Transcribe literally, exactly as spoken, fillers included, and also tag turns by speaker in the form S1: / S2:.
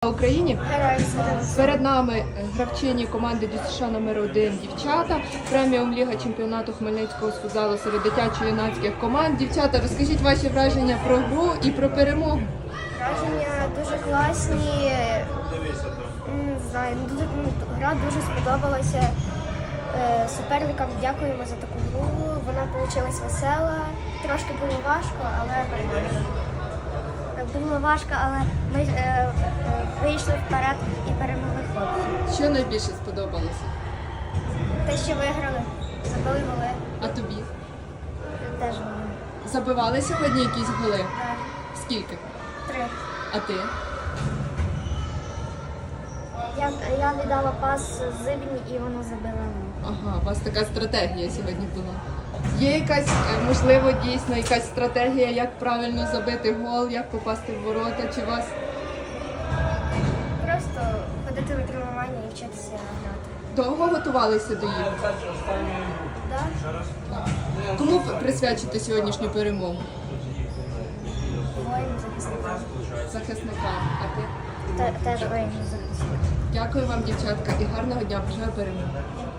S1: Україні!
S2: Героям слава!
S1: Перед нами гравчині команди ДЮСШ номер один дівчата. Преміум Ліга чемпіонату Хмельницького з футзалу серед дитячо-юнацьких команд. Дівчата, розкажіть ваші враження про гру і про перемогу.
S2: Враження дуже класні. Не знаю, дуже, ну, гра дуже сподобалася. Е, Суперникам дякуємо за таку гру. Вона вийшла весела. Трошки було важко, але нормально. Було важко, але ми е, е, вийшли вперед і перемогли хлопців.
S1: Що найбільше сподобалося?
S2: Те, що виграли, забили голи.
S1: А тобі?
S2: Теж голи.
S1: Забивали сьогодні якісь голи?
S2: Так,
S1: Скільки?
S2: три.
S1: А ти?
S2: Я, я віддала пас Зибні і вона забила гол.
S1: Ага, у вас така стратегія сьогодні була. Є якась, е, можливо, дійсно якась стратегія, як правильно забити гол, як попасти в ворота, чи вас?
S2: Просто ходити на тренування і вчитися грати.
S1: Довго готувалися до ігор?
S2: Да?
S1: Кому присвячити сьогоднішню перемогу?
S2: Воїн захисникам.
S1: Захисникам. А ти?
S2: Те- Теж воїн захисникам.
S1: Дякую вам, дівчатка, і гарного дня. Бажаю перемоги.